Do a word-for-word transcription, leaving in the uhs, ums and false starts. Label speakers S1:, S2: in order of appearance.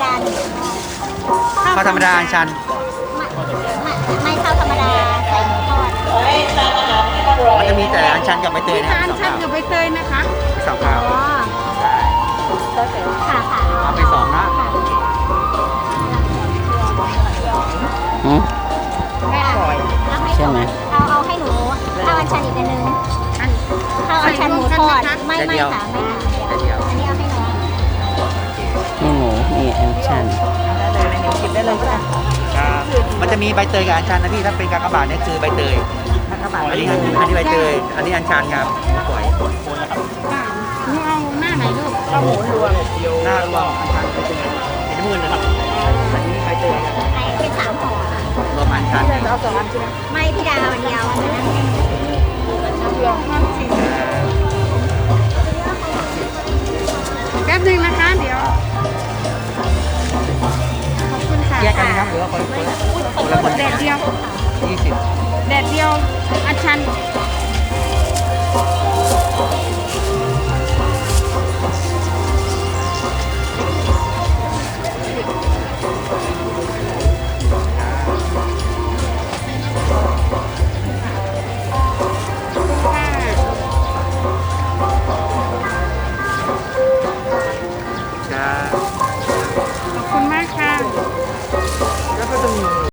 S1: ดาหนึ่ง
S2: ข้าวธรรมดาอัญชัน
S1: ไม่ไม่ข้าวธรรมดาใส่หมูทอด
S2: มันจะมีแต่อัญชันกับใบเตย
S3: มี
S2: นะ
S3: ทาน
S2: สอง
S3: ชัน
S2: ข้าว
S3: กับใบเตยนะคะ
S2: สองข้าว
S3: อ๋อ
S1: ค่ะค่ะ
S2: เอาไปสองนะ
S1: ค่ะ
S4: หืม
S1: ไม่อร่อย
S4: ใช่ไหม
S1: เอาเอาให้หนูข้าวอัญชันอีกอันนึง
S3: อัน
S1: ข้าวอัญชันหมูทอด
S3: ใส่รวมกันไหมคะ
S1: ไม่ไม่ค่ะไม่ค่ะเดี๋ยวอันนี้เอาให้น้อง
S4: นี่หมูนี่แอนชัน
S2: มันจะมีใบเตยกับอัญชันนะพี่ถ้าเป็นกากบาทเนี่ยคือใบเตยอันนี้อันนี้ใบเตยอันนี้อัญชันครับปล่อย
S3: ค่ะหนูเอาหน้าไหนลูก
S2: หน้ารวมอัญชันใบเตยเป็นน้ำเงินนะครับอันนี้ใบเตยครับ
S1: ไอ้เป็นสามห่อค่ะ
S2: รวมอัญชัน
S1: ไม่พี่ดาวอันเดียวอันนั้น
S3: แป๊บหนึงนะคะ เดี๋ยว ขอบคุณค่ะ
S2: แยกกันนะครับหรือว่าคนคนคนละคน
S3: แดดเดียว
S2: ยี่สิบ
S3: แดดเดียวอัญชัน